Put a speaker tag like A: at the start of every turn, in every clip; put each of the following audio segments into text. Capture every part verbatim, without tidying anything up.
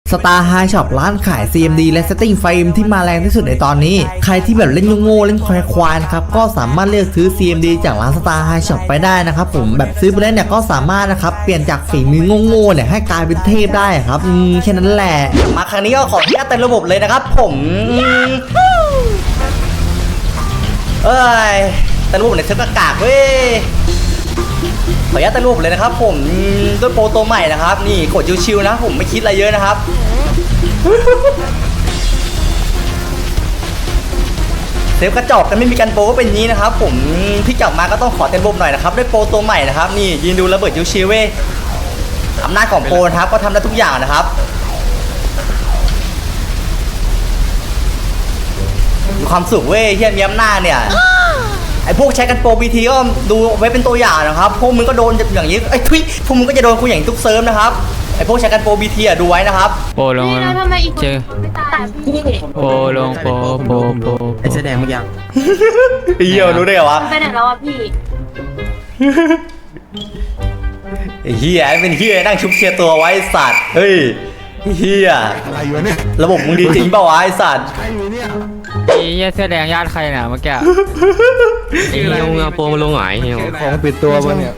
A: Star High Shop ร้านขาย ซี เอ็ม ดี และ Setting Frame ที่มาแรงที่สุดในตอนนี้ใครที่แบบเล่นโง่ๆเล่นควายๆนะครับก็สามารถเลือกซื้อ ซี เอ็ม ดี จากร้าน Star High Shop ไปได้นะครับผมแบบซื้อไปแล้วเนี่ยก็สามารถนะครับเปลี่ยนจากฝีมือโง่ๆเนี่ยให้กลายเป็นเทพได้ครับอืมแค่นั้นแหละมาครั้งนี้ก็ขออนุญาตเต็มระบบเลยนะครับผมเอ้ยเต็มระบบในเซิร์ฟกากเว้ยขออนุญาตตั้งรูปเลยนะครับผมด้วยโปรตัวใหม่นะครับนี่กดชิวๆนะผมไม่คิดอะไรเยอะนะครับเซฟกระจอกกันไม่มีการโปรก็เป็นนี้นะครับผมที่กลับมาก็ต้องขอเต็มรูปหน่อยนะครับด้วยโปรตัวใหม่นะครับนี่ยืนดูระเบิดชิวๆเว้ยอำนาจของโปรนะครับก็ทำได้ทุกอย่างนะครับมีความสุขเว้ยเฮียมีอำนาจเนี่ยไอพวกใช้กันโปรบีทีก็ดูไว้เป็นตัวอย่างนะครับพวกมึงก็โดนอย่างนี้ไอ้ทุยพวกมึงก็จะโดนกูอย่างทุกเซิร์ฟนะครับไอพวกใช้กันโปรบีทีอ่ะดูไว้นะครับ
B: โปลงเจอโปลงโปโปโป
C: ไอ้แสดงเมื่อกี้
A: เหี้ยรู้ได้เหรอวะ
D: ไปไหนแล้วอ่ะพี่
A: ไอ้เหี้ยเป็นเหี้ยนั่งชุบเชียร์ตัวไว้สัตว์เฮ้ยเหี้ย
C: อะไรอยู่เนี่ย
A: ระบบมึงดีจริงเปล่าวะไอ้สัตว์
C: ใช่ไหมเนี่ย
B: ไอ้เหี้ยเสื้อแดงญาติใครเนี่ยเมื่อกี้
E: ไอ้เหี้ยงาโปมาลงหงายเหี้ย
C: ของปิดตัวปะเนี่ย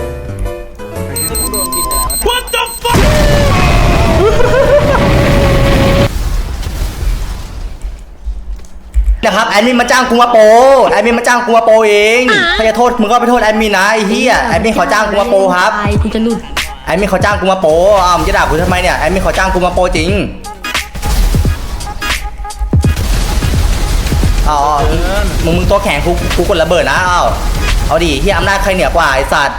A: นะครับแอดมินมาจ้างกูมาโปแอดมินมาจ้างกูมาโปเองถ้าจะโทษมึงก็ไปโทษแอดมินนะไอ้เหี้ยแอดมินขอจ้างกูมาโปครับ
D: กูจะหลุด
A: แอดมินขอจ้างกูมาโปอ้าวมึงจะด่ากูทำไมเนี่ยแอดมินขอจ้างกูมาโปจริงอ๋อมึงมึงตัวแข็งกูกูกดระเบิดนะอ้าวเอาดิที่อำนาจใครเหนือกว่าไอ้สัตว์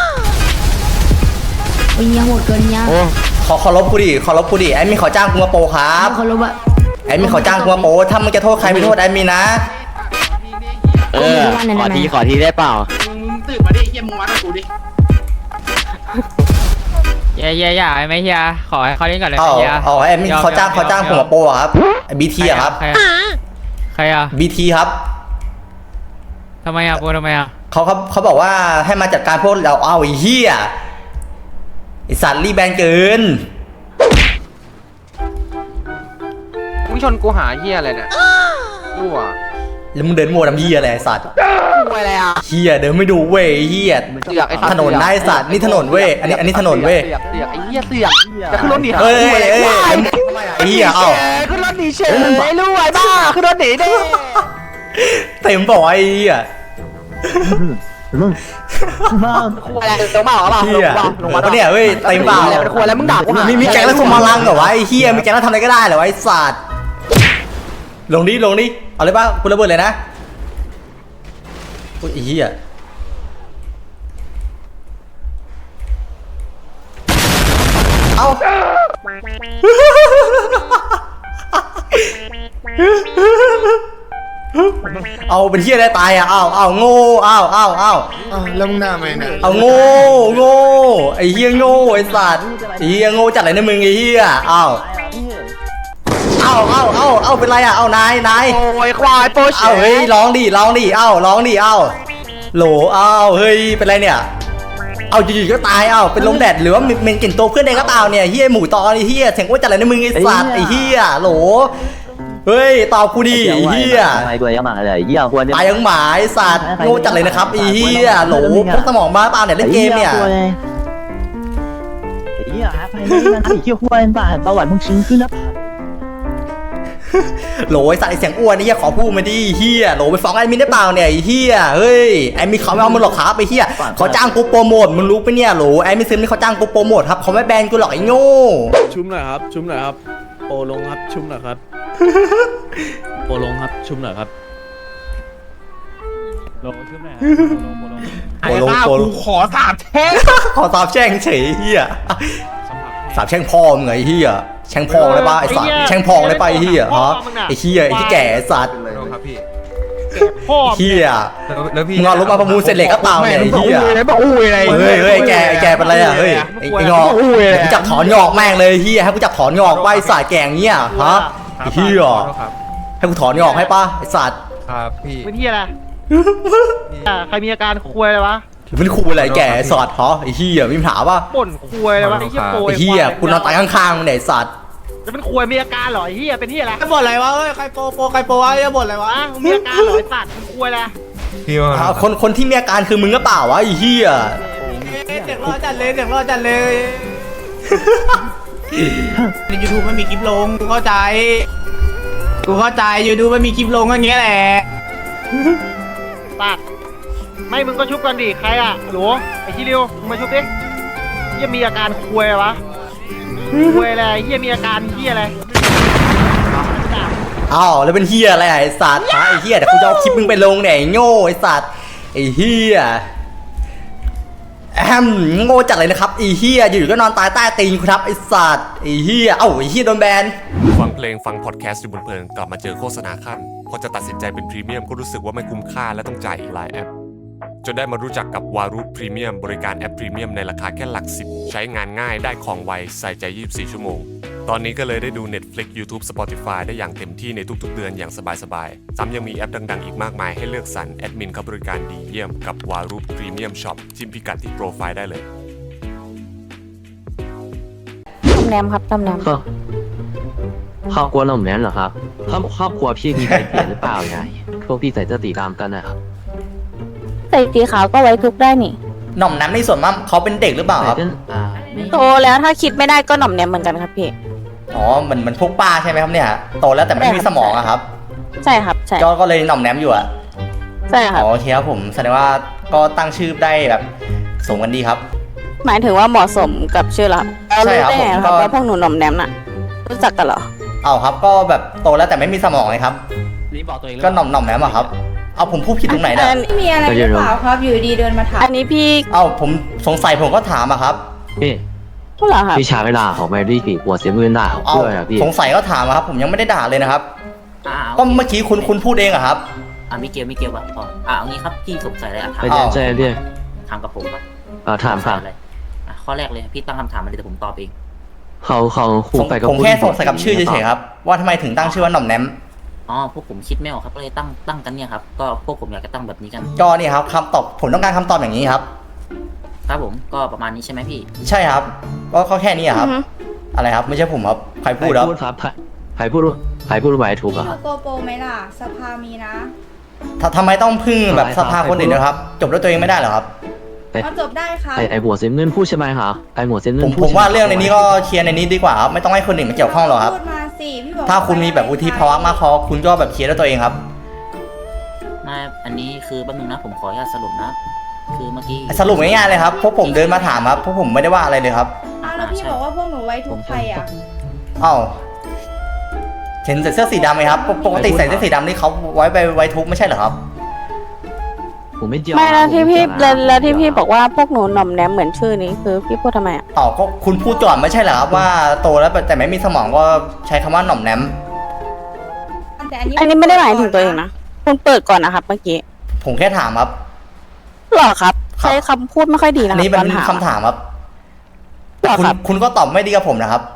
D: โอ้ยโหดเกินเนี่ย
A: ขอขอลบกูดิขอลบกูดิแอดมินขอจ้างกูมาโปครับ
D: ขอลบอะ
A: แอดมินขอจ้างกูมาโปถ้ามึงจะโทษใครไปโทษแอดมินนะ
E: เออขอทีขอทีได้เปล่า
F: มึงตื่นมาดิเฮียมึงวัดกับกูดิ
B: เย่เย่ย่าไม่เฮียขอให้เขาเล่นก่อนเลย
A: เฮียอ๋อแอดมินเขาจ้างเขาจ้างผมมาโปครับบีทีอะครับ
B: ใครอะ
A: บีทีครับ
B: ทำไมอะโปทำไมอะ
A: เขาเขาเขาบอกว่าให้มาจัดการพวกเราเอาไอ้เหี้ยไอ้สัตว์รีแบนเกิน
F: มึงชนกูหาเฮียอะไรเนี่ยรั่ว
A: แล้วมึงเดินมัวทำเหี้ยอะไรไอ้สัตว์
F: ไปอะไรอ่ะ
A: เหี้ยเดินไม่ดูเว้ยเหี้ยถนนได้สัตว์นี่ถนนเว้ยอันนี้อันนี้ถนนเว้ย
F: เสือกไอ้เหี้ยเสือกจะขึ้นรถหนี
A: เฮ้ยเฮ้ยไอ้เหี้ยเอ้า
F: ขึ้นรถหนีเฉยไอ้รู้ไอ้บ้าขึ้นรถหนีดิ
A: เต็มบอกไอ้เหี้ย
F: ควายอะไรเต็มเปล่าเปล่าลงมาลงมา
A: เนี่ยเฮ้ยเต็มเปล่า
F: เป็นควายแล้วมึงด่ากูหา
A: มีมีแก๊งแล้วส่งมาลังเหรอวะไอ้เหี้ยมีแก๊งแล้วทำอะไรก็ได้เหรอไอ้สัตว์ลงดิลงดิเอาเลยป่ะกูระเบิดเลยนะโอ้ยไอ้เหี้ยเอาเอาเป็นเหี้ยได้ตายอ่ะเอาเอาโง่เอาเอาเอา
C: แล้วมึงหน้าไหมเนี่ย
A: เอาโง่โง่ไอ้เหี้ยโง่ไอ้สัตว์ไอ้เหี้ยโง่จัดอะไรนะมึงไอ้เหี้ยเอาเอาเอาเอาเอาเป็นไรอ่ะเอานายนาย
F: โอ้ยควายโปช
A: เอาเฮ้ยร้องดิร้องดิเอาร้องดิเอาโหลเอาเฮ้ยเป็นไรเนี่ยเอาอยู่ๆก็ตายเอาเป็นลมแดดหรือว่าเมนกลิ่นตัวเพื่อนเองก็เปล่าเนี่ยเฮียหมูตอไอ้เฮียเสียงว่าจัดอะไรนะมึงไอ้สัตว์ไอ้เฮียโหลเฮ้ยตอบกูดิไอ้เฮีย
E: ไอ้ตัวยังหมาเลยเหี้ยควร
A: ตายยังหมาไอ้สัตว์โง่จัดเลยนะครับไอ้เฮียโหลพวกสมองบ้าเปล่าเนี่ยเล่นเกมเนี่ย
E: ไอ้เหี้ยไปมันไอ้เหี้ยควรบ้าประวัติมึงชิงขึ้นแล้ว
A: โหลไอ้สัตว์ไอ้เสียงอ้วนนี่ขอพูดมาดิเฮียโหลไปฟ้องแอดมินได้เปล่าเนี่ยไอ้เฮียเฮ้ยแอดมินเขาไม่เอามึงหรอกครับไอ้เฮียเขาจ้างกูโปรโมทมึงรู้ปะเนี่ยโหลแอดมินซื้อนี่เขาจ้างกูโปรโมทครับเขาไม่แบนกูหรอกไอ้โง่
G: ชุ่มหน่อยครับชุ่มหน่อยครับโปลงครับชุ่มหน่อยครับโปลงครับชุ่มหน่อยครับ
B: ลงชุ่มหน่อย
A: โปลงโปลง
F: ขอสาบแช่ง
A: ขอสาบแช่งเฉยเฮียสาบแช่งพ่อมึงไงเฮียแช่งพองเลยป่ะไอ้สัตว์แช่งพองเลยป่ะไอ้เฮียฮะไอ้เฮียไอ้ที่แก่สัตว์เฮียมึงเอารถมาประมูลเสร็จเลยก็เปล่าเนี่ยไอ้เฮียเฮ้ยเฮ้ยแกแกเป็นไรอ่ะเฮ้ยไอ้งอกกูจับถอนงอกแม่งเลยเฮียให้กูจับถอนงอกไว้สายแกงเงี้ยฮะไอ้เฮียให้กูถอนงอกให้ป่ะไอ้สัตว์
F: ครับพี่
H: เป็นเฮียอะไรใครมีอาการคุยอะไรวะ
A: มันคุยอะไรแกสอดเหรอไอ้เหี้ยมีปัญหาป่ะ
H: บ่นคุยอะไรวะไอ้เหี้ยโปร
A: ไอ้เหี้ยกูนอนตายข้างๆมึงไหนสัตว์
H: จะเป็นควยมีอาการเหรอไอ้เหี้ยเป็นเหี้ยอะไร
C: จะบ่นอะไรวะเฮ้ยใครโปโปใครโปวะจะบ่นอะไรวะ
H: วะมึงมีอาการเหรอไอ้สัตว์มึงควยอะไร
C: พี่ว่า
A: อ่าคนคนที่มีอาการคือมึงก็เปล่าวะไอ้เหี้ย
C: เด็กรอจัดเลยเด็กรอจัดเลยในยูทูบไม่มีคลิปลงกูเข้าใจกูเข้าใจยูทูบไม่มีคลิปลงก็อย่างเงี้ยแหละ
H: สัตว์ไม่มึงก็ชุบกันดิใครอ่ะหลวไอ้ชิริวมึงมาชุบดิเหี้ยมีอาการควยอะไรวะควยอะไรเหี้ยมีอาการเหี้ยอะไร
A: อ้าวแล้วเป็นเหี้ยอะไรอ่ะไอ้สัตว์ฮะไอ้เหี้ยเดี๋ยวกูจะเอาคลิปมึงไปลงเนี่ยไอ้โง่ไอ้สัตว์ไอ้เหี้ยแอมโง่จัดเลยนะครับไอ้เหี้ยอยู่ๆก็นอนตายใต้ตีนกูครับไอ้สัตว์ไอ้เหี้ยเอ้าไอ้เหี้ยโดนแบน
I: ฟังเพลงฟังพอดแคสต์อยู่บนเพลินกลับมาเจอโฆษณาขั้นพอจะตัดสินใจเป็นพรีเมียมก็รู้สึกว่าไม่คุ้มค่าและต้องจ่ายอีกหลายแอปจนได้มารู้จักกับวารุพรีเมียมบริการแอปพรีเมียมในราคาแค่หลักสิบใช้งานง่ายได้ของไวใส่ใจยี่สิบสี่ชั่วโมงตอนนี้ก็เลยได้ดู Netflix YouTube Spotify ได้อย่างเต็มที่ในทุกๆเดือนอย่างสบายๆซ้ำยังมีแอปดังๆอีกมากมายให้เลือกสรรแอดมินเขาบริการดีเยี่ยมกับวารุพรีเมียมช็อปจิ้มพิกัดที่โปรไฟล์ได้เลย
D: ตำแหนมครับตำแหนม
E: ครอบครอบครัวเราเหมือนเหรอครับครอบครอบครัวพี่มีใครเปลี่ยนหรือเปล่าไงพวกพี่ใส่เสื้อสีดำกันนะครับ
D: ใส่สีขาวก็ไว้ทุกได้นี่
A: หน่อมน้ำในส่วนมากเขาเป็นเด็กหรือเปล่าครับ
E: ใส่เสื้ออ่า
D: โตแล้วถ้าคิดไม่ได้ก็หน่อมแนมเหมือนกันครับพี่
A: อ๋อเหมือนเหมือนพวกป้าใช่ไหมครับเนี่ยโตแล้วแต่ไม่มีสมองอะครับ
D: ใช่ครับใช่
A: ก็ก็เลยหน่อมแนมอยู่อะ
D: ใช่ครับ
A: อ๋อโอเคครับผมแสดงว่าก็ตั้งชื่อได้แบบสมกันดีครับ
D: หมายถึงว่าเหมาะสมกับชื่อเรา
A: ใช่ครับ
D: รู้ได้ไง
A: ผม
D: ครับ
A: ก็
D: ว่าพวกหนูหน่อมแนมน่ะรู้จักกันเหรอ
A: เอาครับก็แบบโตแล้วแต่ไม่มีสมองไงครับ
G: นี่บอกตัวเอง
A: ก็หน่อมหน่อมแนมอะครับเอาผมพูดผิดตรงไหนเนี่ย
D: อัน
J: มีอะไรหรือเปล่าครับอยู่ดีเดินมาถาม
D: อันนี้พี่
A: เอาผมสงสัยผมก็ถามอะครับ
E: พี่
D: พูดเหรอครับ
E: พี่ชายไม่ด่าเขาไม่ได้กี่หัวเสียเงินด่าเขา
A: เอา
E: ด้วยอะพี่
A: สงสัยก็ถามอะครับ ผมยังไม่ได้ด่าเลยนะครับ
K: อ่า
A: ก็เมื่อกี้คุณคุณพูดเองอะครับ
K: อ่ามิเกลมิเกลวะอ๋ออ่าเอางี้ครับพี่สงสัยอะไรอ่ะถาม
E: ไปแจ้งแจ้งพี่
K: ถามกับผมครับ
E: อ่าถามถาม
K: อะไรอ่ะข้อแรกเลยพี่ตั้งคำถามมาเลยแต่ผมตอบเอง
E: เขาเขาคู่
A: ผม
E: ไปกับ
A: ผมแค่สงสัยกับชื่อเฉยๆครับว่าทำไมถึงตั้งชื่อว่าหน่อมแนม
K: อ๋อพวกผมคิดไม่ออกครับก็เลยตั้งตั้งกันเนี่ยครับก็พวกผมอยากจะตั้งแบบนี้กัน
A: ก็นี่ครับคำตอบผมต้องการคำตอบอย่างนี้ครับ
K: ครับผมก็ประมาณนี้ใช่ไหมพี่
A: ใช่ครับก็ก็แค่นี้อะครับ
D: อือฮึ
A: อะไรครับไม่ใช่ผมครับใคร
E: ใคร
A: พูดครับ
E: พูดครับใครพูดใครพูดไว้ถูกอะครับ
J: โกโปรไหมล่ะ สภามีนะ
A: ถ้าทำไมต้องพึ่งแบบ
E: อะไร
A: สภาคนอื่นนะครับ จบด้วยตัวเองไม่ได้เหรอครับ
J: เอาจบได้ครับ
E: ไอไอหัวเสียเงินพูดใช่ไหมครับไอหัวเสียเงิ
A: ผ
E: น
A: ม
E: พูด
A: ผม
E: ใช่ไห
A: ว่าเรื่องในนี้ก็เคลียร์ในนี้ดีกว่าครับไม่ต้องให้คนอื่นมาเกี่ยวข้องหรอกครับ
J: พูดมาสิพี่บอก
A: ถ้าคุณมีแบบวุฒิภาวะมากพอคุณก็แบบเคลียร์ด้วยตัวเองครับ
K: ไม่อันนี้คือแป๊บนึงนะผมขออนุญาตสรุปนะคือเมื่อกี้
A: สรุปง่ายๆเลยครับพวกผมเดินมาถามครับพวกผมไม่ได้ว่าอะไรเลยครับ
J: อ้าวแล้วพี่บอกว่าพวกหนูไว้ทุกใครอ่ะ
A: อ้าวเห็นใส่เสื้อสีดำไหมครับปกปกติใส่เสื้อสีดำนี่เขาไว้ไปไว้ทุกข์ไม่ใช่เหรอครับ
E: ผมไม่เจียว
D: ไม่แล้วที่พี่แล้วแล้วที่พี่บอกว่าพวกหนูหน่อมแนมเหมือนชื่อนี้คือพี่พูดทำไมอ่ะ
A: อ๋อก็คุณพูดก่อนไม่ใช่เหรอครับว่าโตแล้วแต่ไม่มีสมองก็ใช้คำว่าหน่อมแนม
J: แต่อันนี้
D: อันนี้ไม่ได้หมายถึงตัวเองนะคุณเปิดก่อนนะครับเมื่อกี้
A: ผมแค่ถามครับ
D: หรอครับ
A: ครับ
D: ใช้คำพูดไม่ค่อยดีนะ
A: อัน
D: ครับ
A: นี้มัน
D: ตอนถาม
A: คำถามครับ
D: หรอ
A: คุณ
D: ครับ
A: คุณก็ตอบไม่ดีกับผมนะครับ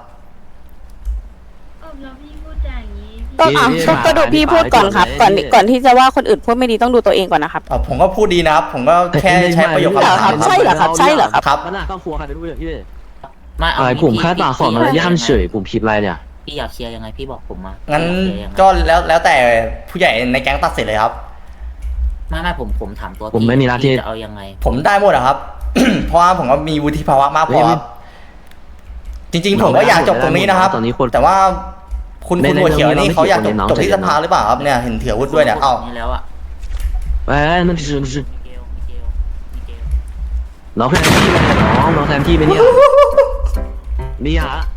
J: แล้วพี่พูดอย่างนี้
D: ก็อ่ะก็ก็ดูพี่พูดก่อนครับ ก่อนก่อนที่จะว่าคนอื่นพูดไม่ดีต้องดูตัวเองก่อนนะครับ
A: อ่ะผมก็พูดดีนะครับ ผมก็แค่ใช้ประโยค
D: เหรอ
A: คำ
D: ครั
A: ถาม
D: บใช่เหรอครับใช่เหรอครับ
A: ครับ
E: มันน่าครอบครัวใครไม่รู้อย่างพี่
K: ไม่เอา
E: อะไร
K: งี้
E: ผม
K: พี่
E: แค่ด่าขอมารยาทเฉยผมผิดอะไรเนี่ย
K: พี่อยากเคลียร์ยังไงพี่บอกผมมา
A: งั้น
K: พี่อยาเคลียร์ยังไง
A: ก็แล้วแล้วแต่ผู้ใหญ่ในแก๊งตัดสินเลยครับ
K: ไม่ไม่ผมผมถามตัว
E: ผมไม่มีหน้าที่
K: พี่จะเอายังไง
A: ผมได้หมดอะครับ เพราะว่าผมก็มีวุฒิภาวะมากพอครับจริง ๆ ผมก็อยากจบตรงนี้นะครับ
E: ตอนนี้คน
A: แต่ว่าคุณ
E: ไม่
A: คุณ
E: ได้
A: หัวเขียว
E: เราไม่
A: นี่เขาอยากจบ
E: ไม่เกี่ยว
A: จบที่
E: กับ
A: ส
E: น้อง
A: ภาหรือเปล่าครับเนี่ยเห็นเถื่อวุฒิด้วยเนี่ยเอ้า
K: นี่แล้วอ่ะ
E: เอ้ยนั่นคือคือ
K: มิเกลมิเกลมิเกล
E: น้องแทนที่ไปเนี่ยน้องน้องแทนที่ไปเนี่ยนี่ฮะ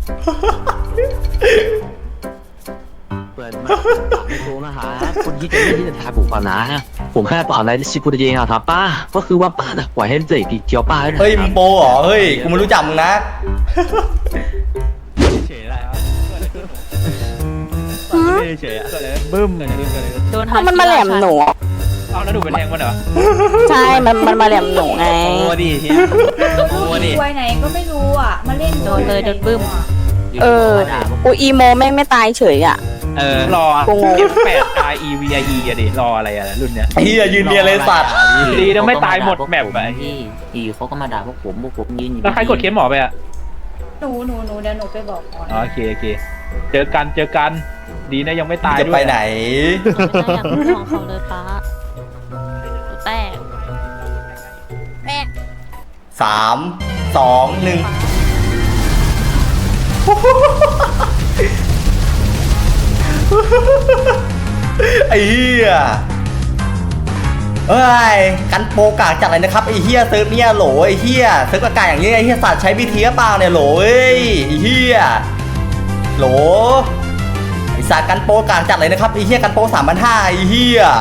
E: เปิดมาไม่โกงนะฮะคนที่จะไม่ที่จะทายผมก่อนนะผมแค่บอกอะไรที่ชิคุตเองอะครับป้าก็คือว่าป้าน่ะปล่อยให้เด็กเที่ยวป้าได้
A: เฮ้ยมึงโปเหรอเฮ้ยกูไม่รู้จักมึงนะ
G: เฉยอะไรครับ
D: หือ
G: ไม่เฉยอะบึ้มเลยบึ้มเลย
B: โดน
D: เพราะมันมาแหลมหนู
G: เอาแล้วดูเป็นแทงมันเหรอ
D: ใช่ มันมันมาแหลมหนูไง
G: โอ้ดิเฮียโอ้ดิ
J: ไว้ไหนก็ไม่รู้อ่ะ มาเล่น
B: โดนเลยโดนบึ้ม
D: เออ
K: มาด่าพวก
D: กูอีโมแม่งไม่ตายเฉยอ่ะ
G: เออรอ
D: กูงง
G: แปด R E V I E อะดิรออะไรอะรุ่นเนี้ย
A: ไอ้เหี้ยยืนเรียนเลยสัตว์
G: ดีนะไม่ตายหมดแมปอะ
K: พี่อยู่เขาก็มาด่าพวกผมพวกผมยืนอยู่
G: แล้วใครกดเคสหมอไปอะ
J: หนูหนูหนูเดี๋ยวหนูไปบอกก่อน
G: อ๋อโอเคโอเคเจอกันเจอกันดีนะยังไม่ตาย
A: จะไปไหน
D: ไม่ได้อยากเป็นของเขาเลยป้าแตกแตก
A: สามสองหนึ่งไอ้เหี้ยเอ้ยกันโปกากจัดเลยนะครับไอ้เหี้ยเซิร์ฟเนี่ยโหลไอ้เหี้ยเซิร์ฟอากาศอย่างนี้ไอ้เหี้ยสัตว์ใช้วิธีเปล่าเนี่ยโหลเอ้ยไอ้เหี้ยโหลไอ้สัตว์กันโปกากจัดเลยนะครับไอ้เหี้ยกันโปสามพันห้าไอ้เหี้ย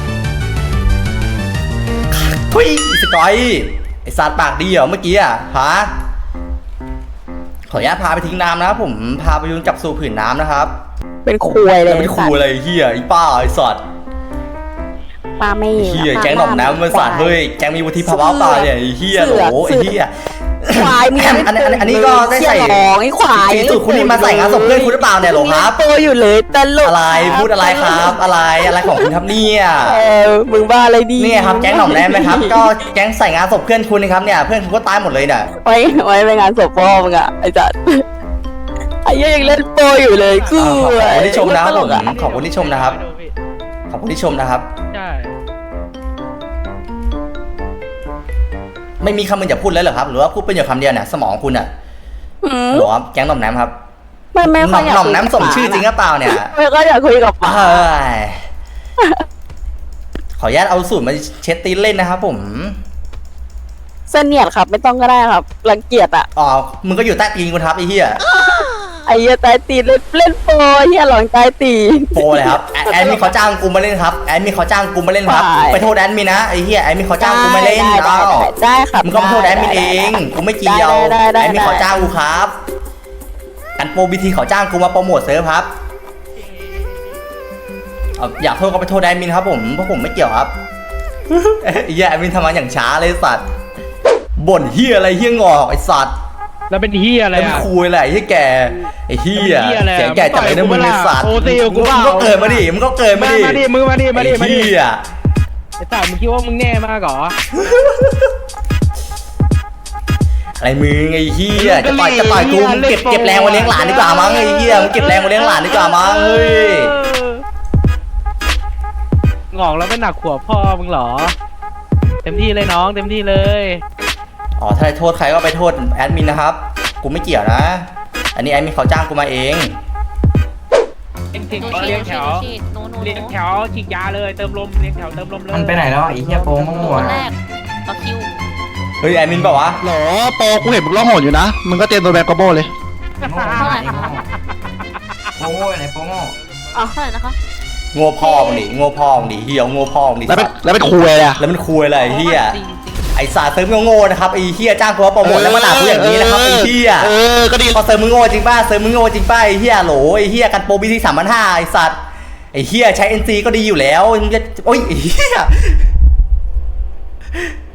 A: ทุยอีสกอยไอ้สัตว์ปากดีเหรอเมื่อกี้อ่ะฮะขออนุญาตพาไปทิ้งน้ำนะครับผมพาไปยุงจับสู่ผืนน้ำนะครับ
D: เป็นคุยเลย
A: เป็นครูอะไรไอ้เหี้ยไอ้ป้าไอ้สัตว์
D: ป้าไม่
A: ไอ้เหี้ยแก๊งหน่อมน้ำมันสัตว์เฮ้ยแก๊งมีวุฒิภาวะเปล่าเนี่ยไอ้เหี้ยโหลไอ้เหี้ย
D: ควายมี
A: อันอันอันอันนี้ก็ได้ใส่
D: ไอ้ควาย
A: สีสูตรคุณนี่มาใส่งานศพเพื่อนคุณหรือเปล่าเนี่ยโหลครับ
D: โตอยู่เลยตลก
A: อะไรพูดอะไรครับอะไรอะไรของคุณครับเนี่ย
D: เออมึงบ้าอะไรดี
A: นี่ครับแก๊งหน่อมแนมไหมครับก็แก๊งใส่งานศพเพื่อนคุณนะครับเนี่ยเพื่อนคุณก็ตายหมดเลยเนี่ย
D: ไว้ไว้ไปงานศพพ่อมึงอะไอ้จัดไอ้เหี้ยยังเล่นโปรอยู่เลยกู
A: ขอบคุณที่ชมนะครับผมขอบคุณที่ชมนะครับขอบคุณที่ชมนะครับ
G: ใช่
A: ไม่มีคำมึงจะพูดเลยเหรอครับหรือว่าพูดเป็นอยู่คำเดียวเนี่ยสมองคุณอ่ะ
D: อืม
A: หรอครับแก๊งหน่อมแนมครับ
D: ไม่ไม่
A: หน่
D: ค่อ
A: อย ม
D: อยาก
A: หน่อมแนมสมชื่อจริงหรือเปล่าเนี่ย
D: ไม่ก็อยากคุยกับป้า
A: เฮ้ยขออนุญาตเอาสูตรมาเช็ดตีนเล่นนะครับผม
D: เสนียดครับไม่ต้องก็ได้ครับรังเกียจอะ
A: อ๋อมึงก็อยู่ใต้ตีนกูครับไอ้เหี้ย
D: ไอ้เหี้ยตายตีนเล่นเล่นโปรเหี้ยหลองตายตีน
A: โปรเลยครับแอดแอดมินเขาจ้างกูมาเล่นครับแอดมินเขาจ้างกูมาเล่นครับ
D: ได้
A: ไปโทษแอดมินนะไอ้เหี้ยแอดมินเขาจ้างกูมาเล่น
D: ได้ได้
A: เอ้า
D: ได้ได้ครับ
A: มึงก็มาโทษแอดมินเองกูไม่เกี่ยว
D: ได้ได้ได้
A: แอดมินเขาจ้างกูครับกันโปรบีทีเขาจ้างกูมาโปรโมทเซิร์ฟครับเอาอยากโทษก็ไปโทษแอดมินครับผมเพราะผมไม่เกี่ยวครับ ไอ้เหี้ยแอดมินทำงานอย่างช้าเลยสัตว์บ่นเหี้ยอะไรเหี้ยงอกไอ้สัตว์
G: แล้วเป็นเฮียอะไร
A: แล้วมัน
G: อ่ะ
A: คุยอะไรไอ้แกไอ้เหี้ย
G: เป็นเหี้ยอะไรอะ
A: เสียงแกจัดเลยนะ
G: มึ
A: มึง
G: งต่
A: ไอ้
G: อยกู
A: สัตว์
G: โอตีกับกูเปล่า
A: มึงก็เกิดมาดิมึงก็เกิดมา
G: มา
A: ดิ
G: มาดิมึงมาดิมาดิมา
A: ไอ้
G: ดิ
A: เหี้ย
G: ไอ้สัตว์มึงคิดว่ามึงแน่มากเหรอ
A: อะไรมึงไอ้เหี้ย
G: มึ
A: จะ
G: งก็
A: ต่อยจะต่อยกู
G: เหี้ย
A: มึงเก็บ
G: เล่นโปร
A: เก็บแรงมาเลี้ยงหลานดีกว่ามั้งไอ้เหี้ยมึงเก็บแรงมาเลี้ยงหลานดีกว่ามั้งเฮ้ย
G: งอกแล้วไม่หนักหัวพ่อมึงเหรอ เต็มที่เลยน้องเต็มที่เลย
A: อ๋อถ้าโทษใครก็ไปโทษแอดมินนะครับกูไม่เกี่ยวนะอันนี้แอดมินเขาจ้างกูมาเอง
G: เลี้ยงถิงเลี้ยงแถวเลี้ยงแถวฉีกยาเลยเติมลมเลี้ยงแถวเติมลมเลย
K: มันไปไหนแล้วไอ้เหี้ยโป้งมั่ว
D: แรกต่อคิว
A: เฮ้ยแอดมินบอกว่า
H: หรอโปกูเห็นมึงร้องโหดอยู่นะ มึงก็เตรียมตัวแบบกระโบเลย
D: เท่าไหร่คะ
K: โป้ไหนโป้ง
D: อ๋อเท่าไหร่นะคะ
A: โง่พ่อมึงดิโง่พ่อมึงดิเหี้ยโง่พ่อมึงดิ
H: แล้วเป็นแล้วเป็นครูอะไรอ่ะ
A: แล้วมันคุยอะไรไอ้เหี้ย
D: จริง
A: ไอ้สาเซิร์ฟมึงโง่นะครับไอ้เหี้ยจ้างกูมาโปรโมทแล้วมาด่ากูอย่างนี้นะครับไอ้เหี้ย
H: เออ ก็ดี
A: พอเซิร์ฟมึงโง่จริงป่ะเซิร์ฟมึงโง่จริงป่ะไอ้เหี้ยโหลไอ้เหี้ยกันโปรบีทีสามพันห้าไอ้สัตว์ไอ้เหี้ยใช้ เอ็น ซี ก็ดีอยู่แล้วมึงจะโอ้ยไอ้เหี้ย